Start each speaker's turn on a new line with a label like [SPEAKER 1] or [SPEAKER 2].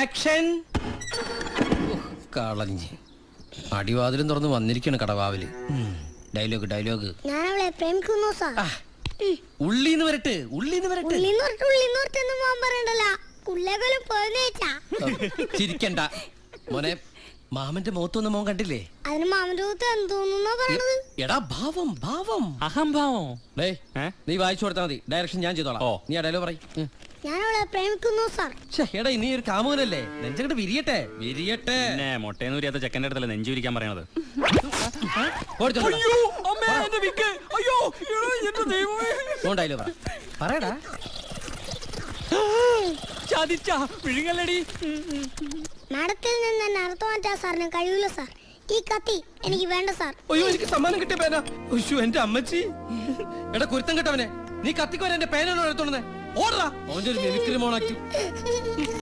[SPEAKER 1] Action. കളഞ്ഞ് അടിവാതിലും തുറന്ന് വന്നിരിക്കാണ് കടവാവില്. Dialogue dialogue.
[SPEAKER 2] ഞാൻ അവളെ പ്രേമിക്കുന്നു സാർ.
[SPEAKER 1] ഉള്ളിന്ന് വരട്ടെ, ഉള്ളിന്ന് വരട്ടെ. ചിരിക്കണ്ട മോനെ. മാമന്റെ മുഖത്തൊന്നും മോൻ കണ്ടില്ലേ?
[SPEAKER 2] അതിന് മാമന്റെ മുഖത്ത് എന്തോന്നാ പറയണത്?
[SPEAKER 1] എടാ ഭാവം, ഭാവം,
[SPEAKER 3] അഹംഭാവം.
[SPEAKER 1] നീ വായിച്ചു കൊടുത്താൽ മതി, ഡയറക്ഷൻ ഞാൻ ചെയ്തോളാം. നീ ആ ഡയലോഗ് പറയും.
[SPEAKER 2] ഞാൻ അവളെ പ്രേമിക്കുന്നു സാർ.
[SPEAKER 1] എടാ നീ ഒരു കാമുകനല്ലേ, നെഞ്ചങ്ങട്ട് വിരിയട്ടെ, വിരിയട്ടെ.
[SPEAKER 3] മൊട്ടേന്ന് ഉരിയാത്ത ചെക്കൻ്റെ അടുത്തല്ലേ നെഞ്ചു വിരിക്കാൻ പറയണത്.
[SPEAKER 1] ഡയലോഗ് പറയടാ.
[SPEAKER 2] മാഡത്തിൽ നിന്ന് തന്നെ അർത്ഥം മാറ്റാൻ സാറിന് കഴിയൂല സാർ. ഈ കത്തി എനിക്ക് വേണ്ട സാർ.
[SPEAKER 1] അയ്യോ, എനിക്ക് സമ്മാനം കിട്ടിയ പേന. എന്റെ അമ്മച്ചി. എടാ കുരുത്തം കേട്ടവനെ, നീ കത്തിക്കോനെ എന്റെ പേനോട് എടുത്തോണ്ടേ. ഓടാ, അവന്റെ ഒരു മിമിക്രി മോണാക്കി.